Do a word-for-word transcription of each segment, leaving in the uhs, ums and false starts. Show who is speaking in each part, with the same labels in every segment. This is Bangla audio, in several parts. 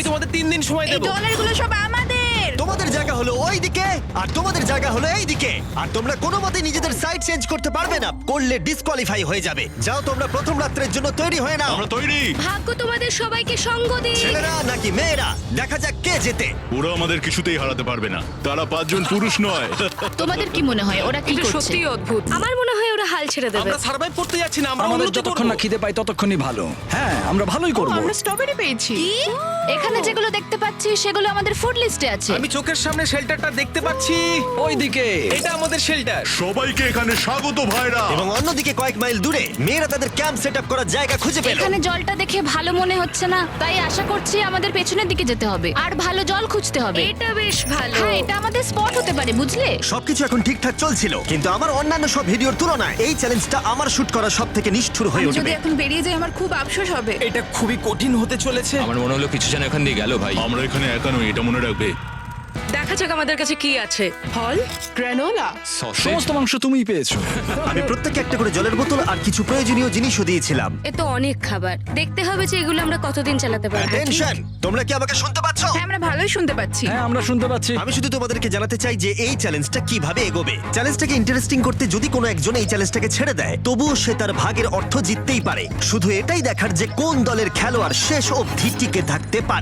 Speaker 1: তোমাদের তিন দিন সময়
Speaker 2: এই
Speaker 1: দেবো।
Speaker 2: ডলারগুলো সব আমাদের।
Speaker 3: তোমাদের জায়গা হলো ওই দিকে আর তোমাদের জায়গা হলো এই দিকে, আর তোমরা কোনো মতে নিজেদের সাইড চেঞ্জ করতে পারবে না, করলে ডিসকোয়ালিফাই হয়ে যাবে। যাও তোমরা প্রথম রাত্রের জন্য তৈরি হয়ে নাও।
Speaker 4: আমরা তৈরি।
Speaker 5: ভাগ্য তোমাদের সবাইকে সঙ্গ দিক।
Speaker 3: ছেলেরা নাকি মেয়েরা, দেখা যাক কে জেতে।
Speaker 4: ওরা আমাদের কিছুতেই হারাতে পারবে না, তারা পাঁচজন পুরুষ নয়।
Speaker 5: তোমাদের কি মনে হয় ওরা কি
Speaker 6: এটা
Speaker 5: করছে?
Speaker 6: সত্যিই অদ্ভুত।
Speaker 5: আমার মনে হয় ওরা হাল ছেড়ে দেবে।
Speaker 1: আমরা সার্ভাইভ করতে যাচ্ছি না, আমরা
Speaker 7: আমাদের
Speaker 1: উন্নতি
Speaker 7: যতক্ষণ
Speaker 1: করব।
Speaker 7: না খিদে পাই ততক্ষণই ভালো। হ্যাঁ, আমরা ভালোই করব।
Speaker 2: আমরা স্ট্রবেরি পেয়েছি।
Speaker 5: কি? এখানে যেগুলো দেখতে পাচ্ছি সেগুলো আমাদের ফুড লিস্টে আছে।
Speaker 1: আমি চোখের সামনে শেল্টারটা দেখতে পাচ্ছি।
Speaker 7: ওইদিকে
Speaker 1: এটা আমাদের শেল্টার।
Speaker 4: সবাইকে এখানে স্বাগত ভাইরা।
Speaker 3: এবং অন্যদিকে কয়েক মাইল দূরে মেয়েরা তাদের ক্যাম্প সেট আপ করার জায়গা খুঁজে পেল।
Speaker 5: এখানে জলটা দেখে ভালো মনে হচ্ছে না, তাই আশা করছি আমাদের পেছনের দিকে যেতে হবে আর ভালো জল খুঁজতে হবে।
Speaker 6: এটা বেশ ভালো।
Speaker 5: হ্যাঁ, এটা আমাদের স্পট হতে পারে, বুঝলে?
Speaker 3: সবকিছু এখন ঠিকঠাক চলছিল, কিন্তু আমার অন্যান্য সব ভিডিওর তুলনায় এই চ্যালেঞ্জটা আমার শুট করা সব থেকে নিষ্ঠুর হয়ে
Speaker 2: আমি যদি
Speaker 3: উঠবে।
Speaker 2: এখন বেরিয়ে যাই আমার খুব আফসোস হবে।
Speaker 1: এটা খুবই কঠিন হতে চলেছে।
Speaker 8: আমার মনে হলো কিছু যেন এখান দিয়ে গেল ভাই।
Speaker 4: আমরা এখানে একা নই, এটা মনে রাখবে।
Speaker 6: দেখা যাক আমাদের কাছে কি আছে। ফল, গ্রানোলা।
Speaker 8: সসেজ।
Speaker 7: সমস্ত মাংস তুমিই পেয়েছো।
Speaker 3: আমি প্রত্যেককে একটা করে জলের বোতল আর কিছু প্রয়োজনীয় জিনিসও দিয়েছিলাম।
Speaker 5: এ তো অনেক খাবার, দেখতে হবে যে এগুলো আমরা কতদিন চালাতে পারবো।
Speaker 3: টেনশন, তোমরা কি আমাকে শুনতে পাচ্ছ?
Speaker 2: হ্যাঁ, আমরা ভালোই শুনতে পাচ্ছি।
Speaker 7: হ্যাঁ, আমরা শুনতে পাচ্ছি।
Speaker 3: আমি শুধু তোমাদেরকে জানাতে চাই যে এই চ্যালেঞ্জটা কিভাবে এগোবে। চ্যালেঞ্জটাকে ইন্টারেস্টিং করতে যদি কোনো একজন এই চ্যালেঞ্জটাকে ছেড়ে দেয়, তবুও সে তার ভাগের অর্থ জিততেই পারে। শুধু এটাই দেখার যে কোন দলের খেলোয়াড় শেষ অবধি টিকে থাকতে পারে।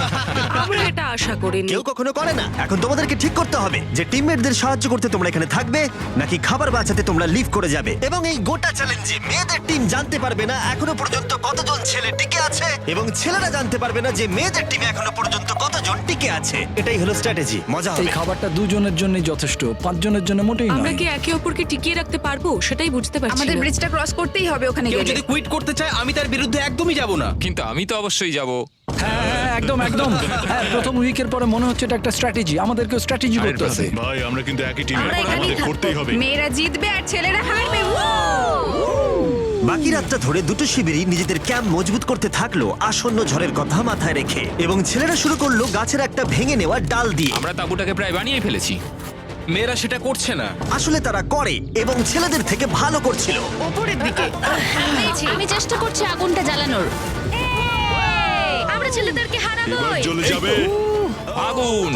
Speaker 6: আমরা এটা আশা করিনি।
Speaker 3: কেউ কখনো করে না। এখন তোমাদেরকে ঠিক করতে হবে যে টিমমেটদের সাহায্য করতে তোমরা এখানে থাকবে নাকি খাবার বাঁচাতে তোমরা লিভ করে যাবে। এবং এই গোটা চ্যালেঞ্জে মেয়েদের টিম জানতে পারবে না এখনো পর্যন্ত কতজন ছেলে টিকে আছে, এবং ছেলেরা জানতে পারবে না যে মেয়েদের টিমে এখনো পর্যন্ত কতজন টিকে আছে। এটাই হলো স্ট্র্যাটেজি। মজা
Speaker 7: এই
Speaker 3: হবে।
Speaker 7: খাবারটা দুজনের জন্যই যথেষ্ট, পাঁচজনের জন্য মোটেই
Speaker 6: আমরা
Speaker 7: নয়।
Speaker 6: কি একে অপরকে টিকিয়ে রাখতে পারবো সেটাই বুঝতে পারছি
Speaker 2: আমাদের
Speaker 6: না।
Speaker 2: ব্রিজটা ক্রস করতেই হবে ওখানে
Speaker 1: কেউ
Speaker 2: গেলে।
Speaker 1: যদি কুইট করতে চায় আমি তার বিরুদ্ধে একদমই যাব না।
Speaker 8: কিন্তু আমি তো অবশ্যই যাব।
Speaker 7: হ্যাঁ, হ্যাঁ, একদম একদম। হ্যাঁ, প্রথম উইকের পরে মনে হচ্ছে এটা একটা স্ট্র্যাটেজি। আমাদেরকেও স্ট্র্যাটেজি করতে হবে।
Speaker 4: ভাই আমরা কিন্তু একই টিমে,
Speaker 2: আমরা এখানেই
Speaker 4: আমাদের
Speaker 2: থাকবো।
Speaker 4: করতেই হবে।
Speaker 2: মেয়েরা জিতবে আর ছেলেরা হারবে।
Speaker 3: বাকি রাতটা ধরে দুটো শিবিরই নিজেদের ক্যাম্প মজবুত করতে থাকলো আসন্ন ঝড়ের কথা মাথায় রেখে, এবং ছেলেরা শুরু করলো গাছের একটা ভেঙে নেওয়া ডাল দিয়ে।
Speaker 8: আমরা তাঁবুটাকে প্রায় বানিয়ে ফেলেছি।
Speaker 1: মেয়েরা সেটা করছে না।
Speaker 3: আসলে তারা করে এবং ছেলেদের থেকে ভালো করছিল।
Speaker 2: ওপরের দিকে।
Speaker 5: আমি চেষ্টা করছি আগুনটা জ্বালানোর। আমরা ছেলেদেরকে
Speaker 4: এবার
Speaker 5: হারাবোই।
Speaker 4: চলে যাবে।
Speaker 8: আগুন।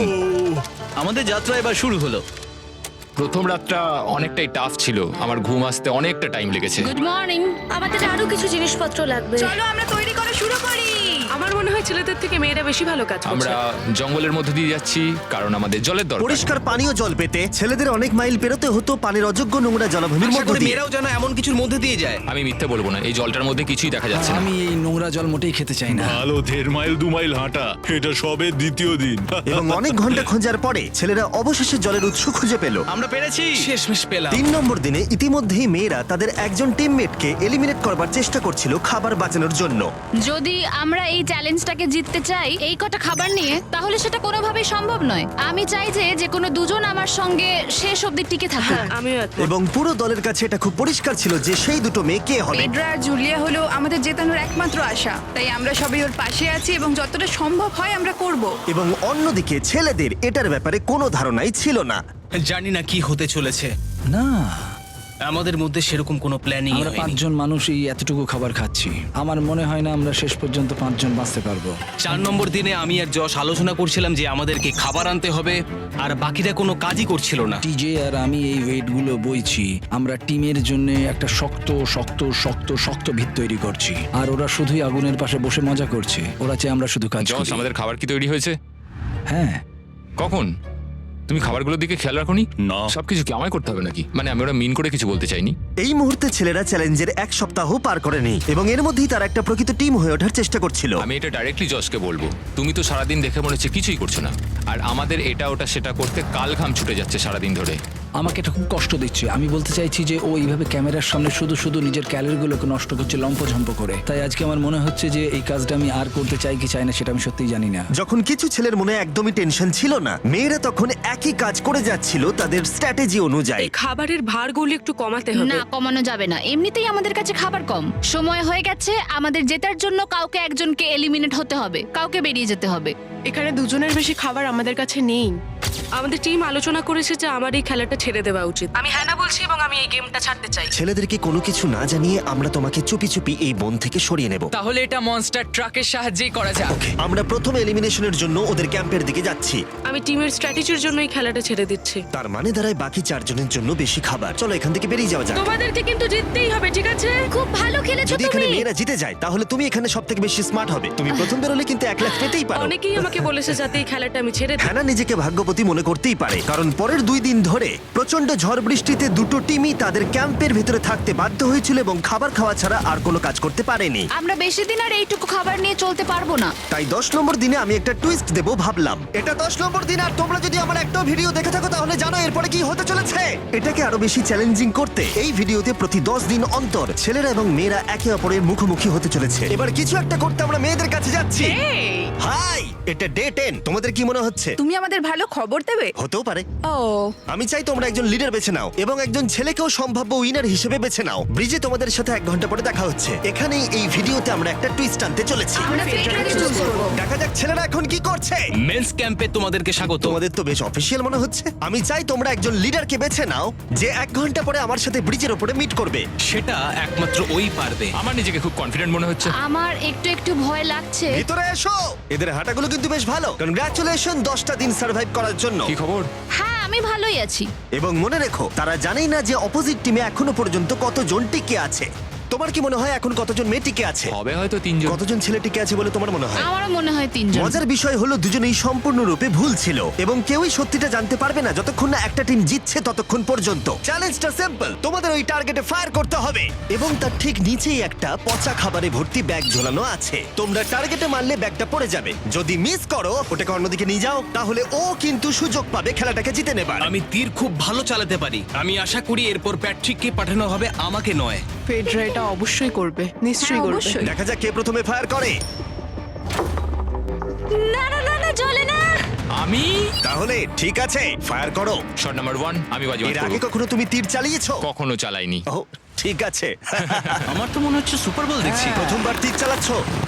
Speaker 1: আমাদের যাত্রা এবার শুরু হলো।
Speaker 8: প্রথম রাতটা অনেকটাই টাফ ছিল, আমার ঘুম আসতে অনেকটা টাইম লেগেছে।
Speaker 5: Good morning. আমাদের আরো কিছু জিনিসপত্র লাগবে।
Speaker 2: চলো আমরা তৈরি করা শুরু করি।
Speaker 6: আমার মনে হয় ছেলেদের থেকে মেয়েরা বেশি ভালো কাজ করছে।
Speaker 8: আমরা জঙ্গলের মধ্যে দিয়ে যাচ্ছি কারণ আমাদের জলের দরকার।
Speaker 3: পরিষ্কার পানীয় জল পেতে ছেলেদের অনেক মাইল পেরোতে হতো পানির অযোগ্য নোংরা জলাভূমির
Speaker 1: আশা
Speaker 3: মধ্য
Speaker 1: করি
Speaker 3: দিয়ে।
Speaker 1: মেয়েরাও যেন এমন কিছুর মধ্যে দিয়ে যায়।
Speaker 8: আমি মিথ্যে বলবো না, এই জলটার মধ্যে কিছুই দেখা যাচ্ছে না।
Speaker 7: আমি এই নোংরা জল মোটেই খেতে চাই না।
Speaker 4: ভালো দেড় মাইল দু মাইল হাঁটা, এটা সবে দ্বিতীয় দিন।
Speaker 3: এবং অনেক ঘন্টা খোঁজার পরে ছেলেরা অবশেষে জলের উৎস খুঁজে পেল।
Speaker 1: আমরা পেরেছি, শেষমেশ পেলাম।
Speaker 3: তিন নম্বর দিনে ইতিমধ্যেই মেয়েরা তাদের একজন টিমমেটকে এলিমিনেট করবার চেষ্টা করছিল খাবার বাঁচানোর জন্য।
Speaker 5: যদি আমরা এই চ্যালেঞ্জটাকে জিততে চাই এই কটা খাবার নিয়ে, তাহলে সেটা কোনোভাবেই সম্ভব নয়। আমি চাই যে যে কোনো দুজন আমার সঙ্গে শেষ অবধি টিকে থাকুক।
Speaker 6: হ্যাঁ, আমিও একমত।
Speaker 3: এবং পুরো দলের কাছে এটা খুব পরিষ্কার ছিল যে সেই দুটো মেয়ে কে হবে।
Speaker 2: পেড্রা আর জুলিয়া হলো আমাদের জেতানোর একমাত্র আশা, তাই আমরা সবাই ওর পাশে আছি এবং যতটা সম্ভব হয় আমরা করব।
Speaker 3: এবং অন্যদিকে ছেলেদের এটার ব্যাপারে কোনো ধারণাই ছিল না।
Speaker 1: জানি না কি হতে চলেছে।
Speaker 7: না,
Speaker 1: আমাদের মধ্যে সেরকম কোনো প্ল্যানিং
Speaker 7: আমরা
Speaker 1: হয়নি।
Speaker 7: পাঁচজন মানুষ এই এতটুকু খাবার খাচ্ছি। আমার মনে হয় না আমরা শেষ পর্যন্ত পাঁচজন বাঁচতে পারবো।
Speaker 1: চার নম্বর দিনে আমি আর যশ আলোচনা করছিলাম যে আমাদেরকে খাবার আনতে হবে, আর বাকিরা কোনো কাজই করছিল না।
Speaker 7: টিজে আর আমি এই ওয়েটগুলো বইছি। আমরা টিমের জন্য একটা শক্ত শক্ত শক্ত শক্ত ভিত তৈরি করছি, আর ওরা শুধুই আগুনের পাশে বসে মজা করছে। ওরা চাই আমরা শুধু কাজ
Speaker 8: জস,
Speaker 7: করি।
Speaker 8: আমাদের খাবার কি তৈরি হয়েছে?
Speaker 7: হ্যাঁ,
Speaker 8: কখন? তুমি খাবারগুলোর দিকে খেয়াল রাখোনি?
Speaker 4: না।
Speaker 8: সবকিছু কি আমায় করতে হবে নাকি? মানে আমি ওরা মিন করে কিছু বলতে চাইনি।
Speaker 3: এই মুহূর্তে ছেলেরা চ্যালেঞ্জের এক সপ্তাহ পার করেনি এবং এর মধ্যেই তারা একটা প্রকৃত টিম হয়ে ওঠার চেষ্টা করছিল।
Speaker 8: আমি এটা ডাইরেক্টলি জসকে বলবো। তুমি তো সারাদিন দেখে মনে হচ্ছে কিছুই করছো না, আর আমাদের এটা ওটা সেটা করতে কাল ঘাম ছুটে যাচ্ছে সারাদিন ধরে।
Speaker 7: আমাকে এটা খুব কষ্ট দিচ্ছে। আমি বলতে চাইছি যে ও এইভাবে ক্যামেরার সামনে শুধু শুধু নিজের ক্যালোরিগুলোকে নষ্ট করছে লম্পঝম্প করে। তাই আজকে আমার মনে হচ্ছে যে এই কাজটা আমি আর করতে চাই কি চাই না সেটা আমি সত্যিই জানি না।
Speaker 3: যখন কিছু ছেলের মনে একদমই টেনশন ছিল না, মেয়েরা তখন একই কাজ করে যাচ্ছিল তাদের স্ট্র্যাটেজি অনুযায়ী।
Speaker 6: এই খাবারের ভারগুলো একটু কমাতে হবে।
Speaker 5: না, কমানো যাবে না। এমনিতেই আমাদের কাছে খাবার কম। সময় হয়ে গেছে, আমাদের জেতার জন্য কাউকে একজনকে এলিমিনেট হতে হবে, কাউকে বেরিয়ে যেতে হবে।
Speaker 9: এখানে দুজনের বেশি খাবার আমাদের কাছে নেই।
Speaker 6: আমাদের টিম আলোচনা করেছে যে আমার এই খেলাটা ছেড়ে দেওয়া উচিত। আমি হ্যাঁ না বলছি এবং আমি এই গেমটা ছাড়তে চাই।
Speaker 3: ছেলেদেরকে কোনো কিছু না জানিয়ে আমরা তোমাকে চুপি চুপি এই বন থেকে সরিয়ে নেব।
Speaker 10: তাহলে এটা মনস্টার ট্রাকের সাহায্যেই করা যাক।
Speaker 3: আমরা প্রথম এলিমিনেশনের জন্য ওদের ক্যাম্পের দিকে যাচ্ছি।
Speaker 6: আমি টিমের স্ট্র্যাটেজির জন্য এই খেলাটা ছেড়ে দিচ্ছি।
Speaker 3: তার মানে দাঁড়ায় বাকি চারজনের জন্য বেশি খাবার। চলো এখান থেকে বেরিয়ে যাওয়া যাক।
Speaker 6: তোমাদেরকে কিন্তু জিততেই হবে, ঠিক আছে?
Speaker 5: খুব ভালো খেলেছো
Speaker 3: যদি এখানে
Speaker 5: তুমি।
Speaker 3: মেয়েরা জিতে যায় তাহলে তুমি এখানে সব থেকে বেশি স্মার্ট হবে। তুমি প্রথম বেরোলে কিন্তু এক লাখ পেতেই পারো।
Speaker 6: অনেকেই আমাকে বলেছে যাতে এই খেলাটা আমি ছেড়ে দিই।
Speaker 3: হ্যানা নিজেকে ভাগ্যবতী মনে করতেই পারে, কারণ পরের দুই দিন ধরে প্রচন্ড ঝড় বৃষ্টিতে দুটো টিমই তাদের ক্যাম্পের ভিতরে থাকতে বাধ্য হয়েছিল এবং খাবার খাওয়া ছাড়া আর কোনো কাজ করতে পারেনি।
Speaker 5: আমরা বেশি দিন আর এইটুকু খাবার নিয়ে চলতে পারবো না।
Speaker 3: তাই দশ নম্বর দিনে আমি একটা টুইস্ট দেবো ভাবলাম। এটা দশ নম্বর দিন আর তোমরা যদি আমার একটা ভিডিও দেখে থাকো তাহলে জানো এরপরে কি হতে চলেছে। এটাকে আরো বেশি চ্যালেঞ্জিং করতে এই ভিডিওতে প্রতি দশ দিন অন্তর ছেলেরা এবং মেয়েরা একে অপরের মুখোমুখি হতে চলেছে। এবার কিছু একটা করতে আমরা মেয়েদের কাছে যাচ্ছি। হাই, এটা ডে টেন। তোমাদের কি মনে হচ্ছে?
Speaker 2: তুমি আমাদের ভালো খবর দেবে।
Speaker 3: হতেও পারে।
Speaker 2: ও
Speaker 3: আমি চাই তোমরা একজন লিডার বেছে নাও এবং একজন ছেলেকেও সম্ভাব্য উইনার হিসেবে বেছে নাও। ব্রিজে তোমাদের সাথে এক ঘন্টা পরে দেখা হচ্ছে। এখানেই এই ভিডিওতে আমরা একটা টুইস্ট আনতে চলেছি।
Speaker 2: আমরা ফেডরাকে চুজ করব।
Speaker 3: দেখা যাক ছেলেরা এখন কি করছে।
Speaker 1: মেন্স ক্যাম্পে তোমাদেরকে স্বাগত।
Speaker 3: তোমাদের তো বেশ অফিসিয়াল মনে হচ্ছে। আমি চাই তোমরা একজন লিডারকে বেছে নাও যে এক ঘন্টা পরে আমার সাথে ব্রিজের উপরে মিট করবে।
Speaker 1: সেটা একমাত্র ওই পারবে।
Speaker 8: আমার নিজেকে খুব কনফিডেন্ট মনে হচ্ছে।
Speaker 5: আমার একটু একটু ভয় লাগছে।
Speaker 3: ভিতরে এসো। এদের হাঁটাগুলো কিন্তু বেশ ভালো। কনগ্রাচুলেশন দশটা দিন সার্ভাইভ করার জন্য।
Speaker 8: কি খবর?
Speaker 5: হ্যাঁ আমি ভালোই আছি।
Speaker 3: এবং মনে রেখো তারা জানেই না যে অপোজিট টিমে এখনো পর্যন্ত কতজন টিকে আছে। তোমার কি মনে হয় এখন কতজন মেয়ে টিকে আছে?
Speaker 8: হবে হয়তো তিনজন।
Speaker 3: কতজন ছেলে টিকে আছে বলে তোমার মনে হয়?
Speaker 5: আমারও মনে হয় তিনজন।
Speaker 3: মজার বিষয় হলো দুজনেই সম্পূর্ণরূপে ভুল ছিল এবং কেউই সত্যিটা জানতে পারবে না যতক্ষণ না একটা টিম জিতছে ততক্ষণ পর্যন্ত। চ্যালেঞ্জটা সিম্পল, তোমাদের ওই টার্গেটে ফায়ার করতে হবে এবং তার ঠিক নিচেই একটা পচা খাবারে ভর্তি ব্যাগ ঝোলানো আছে। তোমরা টার্গেটে মারলে ব্যাগটা পড়ে যাবে। যদি মিস করো ওটাকে অন্যদিকে নিয়ে যাও তাহলে ও কিন্তু সুযোগ পাবে খেলাটাকে জিতে নেবার।
Speaker 1: আমি তীর খুব ভালো চালাতে পারি। আমি আশা করি এরপর প্যাট্রিককে পাঠানো হবে, আমাকে নয়।
Speaker 9: ফেডরা এটা অবশ্যই করবে, নিশ্চয়ই
Speaker 2: হ্যাঁ,
Speaker 9: করবে।
Speaker 2: অবশ্যই।
Speaker 3: দেখা যাক কে প্রথমে ফায়ার করে।
Speaker 5: না না না না চলে না।
Speaker 8: আমি
Speaker 3: তাহলে ঠিক আছে, ফায়ার করো।
Speaker 8: শট নাম্বার ওয়ান আমি বাজি
Speaker 3: এর আগে কখনো তুমি তীর চালিয়েছো?
Speaker 8: কখনো চালাইনি।
Speaker 3: ও ঠিক আছে।
Speaker 1: আমার তো মনে হচ্ছে সুপার বল দেখছি।
Speaker 3: প্রথমবার তীর চালাচ্ছ?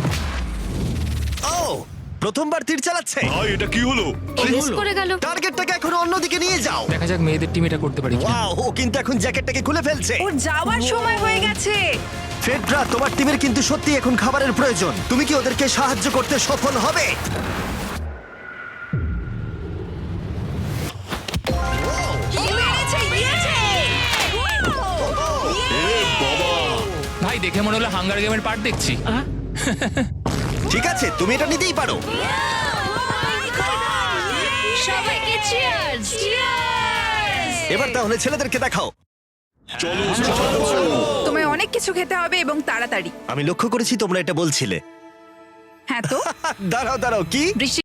Speaker 3: ও প্রথমবার তীর চালাচ্ছে।
Speaker 4: ভাই এটা কি হলো?
Speaker 5: মিস করে গেল।
Speaker 3: টার্গেটটাকে এখন অন্যদিকে নিয়ে যাও।
Speaker 8: দেখা যাক মেয়েদের টিম এটা করতে পারি কিনা।
Speaker 3: ওয়াও, ও কিন্তু এখন জ্যাকেটটাকে খুলে ফেলছে।
Speaker 2: ওর যাওয়ার সময় হয়ে গেছে।
Speaker 3: ফেডরা, তোমার টিমের কিন্তু সত্যি এখন খাবারের প্রয়োজন। তুমি কি ওদেরকে সাহায্য করতে সফল হবে?
Speaker 8: ভাই দেখে মনে হলো হাঙ্গার গেমের পার্ট দেখছি।
Speaker 3: ঠিক আছে, তুমি এটা নিতেই পারো।
Speaker 5: সবাইকে চিয়ার্স চিয়ার্স।
Speaker 3: এবার তাহলে ছেলেদেরকে দেখাও।
Speaker 2: তোমায় অনেক কিছু খেতে হবে এবং তাড়াতাড়ি।
Speaker 3: আমি লক্ষ্য করেছি তোমরা এটা বলছিলে।
Speaker 2: হ্যাঁ তো
Speaker 3: দাঁড়াও দাঁড়াও, কি?
Speaker 2: বৃষ্টি